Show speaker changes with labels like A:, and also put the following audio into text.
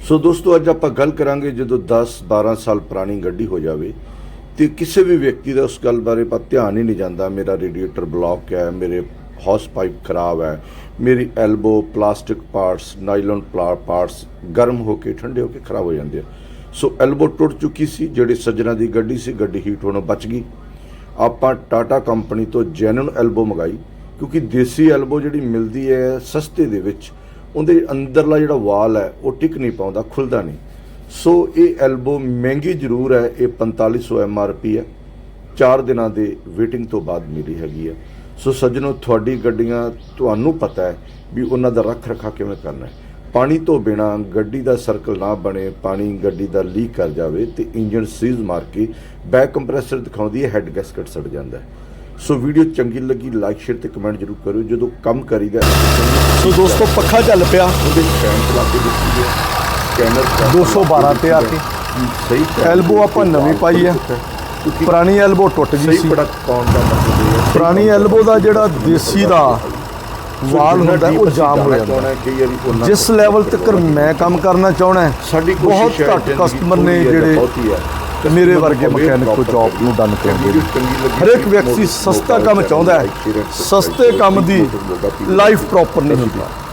A: ਸੋ ਦੋਸਤੋ ਅੱਜ ਆਪਾਂ ਗੱਲ ਕਰਾਂਗੇ ਜਦੋਂ 10-12 ਸਾਲ ਪੁਰਾਣੀ ਗੱਡੀ ਹੋ ਜਾਵੇ ਤੇ ਕਿਸੇ ਵੀ ਵਿਅਕਤੀ ਦਾ ਉਸ ਗੱਲ ਬਾਰੇ ਪਰ ਧਿਆਨ ਹੀ ਨਹੀਂ ਜਾਂਦਾ। ਮੇਰਾ ਰੇਡੀਏਟਰ ਬਲੌਕ ਹੈ, ਮੇਰੇ ਹੌਸ ਪਾਈਪ ਖਰਾਬ ਹੈ, ਮੇਰੀ elbow plastic parts nylon parts ਗਰਮ ਹੋ ਕੇ ਠੰਡੇ ਹੋ ਕੇ ਖਰਾਬ ਹੋ ਜਾਂਦੇ ਆ। ਸੋ ਐਲਬੋ ਟੁੱਟ ਚੁੱਕੀ ਸੀ, ਜਿਹੜੇ ਸੱਜਣਾ ਦੀ ਗੱਡੀ ਸੀ, ਗੱਡੀ ਹੀਟ ਹੋਣੋਂ ਬਚ ਗਈ। ਆਪਾਂ ਟਾਟਾ ਕੰਪਨੀ ਤੋਂ ਜੈਨੂਨ ਐਲਬੋ ਮੰਗਾਈ, ਕਿਉਂਕਿ ਦੇਸੀ ਐਲਬੋ ਜਿਹੜੀ ਮਿਲਦੀ ਹੈ ਸਸਤੇ ਦੇ ਵਿੱਚ ਉਹਦੇ ਅੰਦਰਲਾ ਜਿਹੜਾ ਵਾਲ ਹੈ ਉਹ ਟਿਕ ਨਹੀਂ ਪਾਉਂਦਾ, ਖੁੱਲ੍ਹਦਾ ਨਹੀਂ। ਸੋ ਇਹ ਐਲਬੋ ਮਹਿੰਗੀ ਜ਼ਰੂਰ ਹੈ, ਇਹ 4500 MRP ਹੈ। 4 ਦਿਨਾਂ ਦੇ ਵੇਟਿੰਗ ਤੋਂ ਬਾਅਦ ਮਿਲੀ ਹੈਗੀ ਹੈ। ਸੋ ਸੱਜਣੋ, ਤੁਹਾਡੀ ਗੱਡੀਆਂ ਤੁਹਾਨੂੰ ਪਤਾ ਹੈ ਵੀ ਉਹਨਾਂ ਦਾ ਰੱਖ ਰਖਾ ਕਿਵੇਂ ਕਰਨਾ ਹੈ। ਪਾਣੀ ਤੋਂ ਬਿਨਾ ਗੱਡੀ ਦਾ ਸਰਕਲ ਨਾ ਬਣੇ, ਪਾਣੀ ਗੱਡੀ ਦਾ ਲੀਕ ਕਰ ਜਾਵੇ ਤੇ ਇੰਜਨ ਸੀਜ਼ ਮਾਰ ਕੇ ਬੈਕ ਕੰਪਰੈਸਰ ਦਿਖਾਉਂਦੀ ਹੈ, ਹੈਡ ਗੈਸਕਟ ਸੜ ਜਾਂਦਾ ਹੈ। ਸੋ ਵੀਡੀਓ ਚੰਗੀ ਲੱਗੀ ਲਾਈਕ ਸ਼ੇਅਰ ਤੇ ਕਮੈਂਟ ਜ਼ਰੂਰ ਕਰਿਓ। ਜਦੋਂ ਕੰਮ ਕਰੀਦਾ
B: ਸੋ ਦੋਸਤੋ ਪੱਖਾ ਚੱਲ ਪਿਆ
A: ਉਹਦੇ ਫੈਨ ਚਲਾ ਕੇ ਦਿੱਤੀ ਹੈ, ਸਕੈਨਰ
B: 212 ਤੇ ਆ ਕੇ
A: ਸਹੀ
B: ਐਲਬੋ ਆਪਾਂ ਨਵੀਂ ਪਾਈ ਹੈ, ਪੁਰਾਣੀ ਐਲਬੋ ਟੁੱਟ ਗਈ
A: ਸਹੀ
B: ਸੀ।
A: ਪ੍ਰੋਡਕਟ ਪਾਉਣ ਦਾ ਮਤਲਬ ਇਹ ਹੈ
B: ਪੁਰਾਣੀ ਐਲਬੋ ਦਾ ਜਿਹੜਾ ਦੇਸੀ ਦਾ ਵਾਲ ਹੁੰਦਾ ਉਹ ਜਾਮ ਹੋ ਜਾਂਦਾ। ਜਿਸ ਲੈਵਲ ਤੱਕ ਮੈਂ ਕੰਮ ਕਰਨਾ ਚਾਹਣਾ,
A: ਸਾਡੀ
B: ਬਹੁਤ
A: ਕੋਸ਼ਿਸ਼ ਹੈ
B: ਘੱਟ ਕਸਟਮਰ ਨੇ ਜਿਹੜੇ ਮੇਰੇ ਵਰਗੇ ਮਕੈਨਿਕ ਕੋ ਜੌਬ ਨੂੰ ਡਨ ਕਰਦੇ ਨੇ। ਹਰੇਕ ਵਿਅਕਤੀ ਸਸਤਾ ਕੰਮ ਚਾਹੁੰਦਾ ਹੈ, ਸਸਤੇ ਕੰਮ ਦੀ ਲਾਈਫ ਪ੍ਰੋਪਰ ਨਹੀਂ ਹੁੰਦੀ।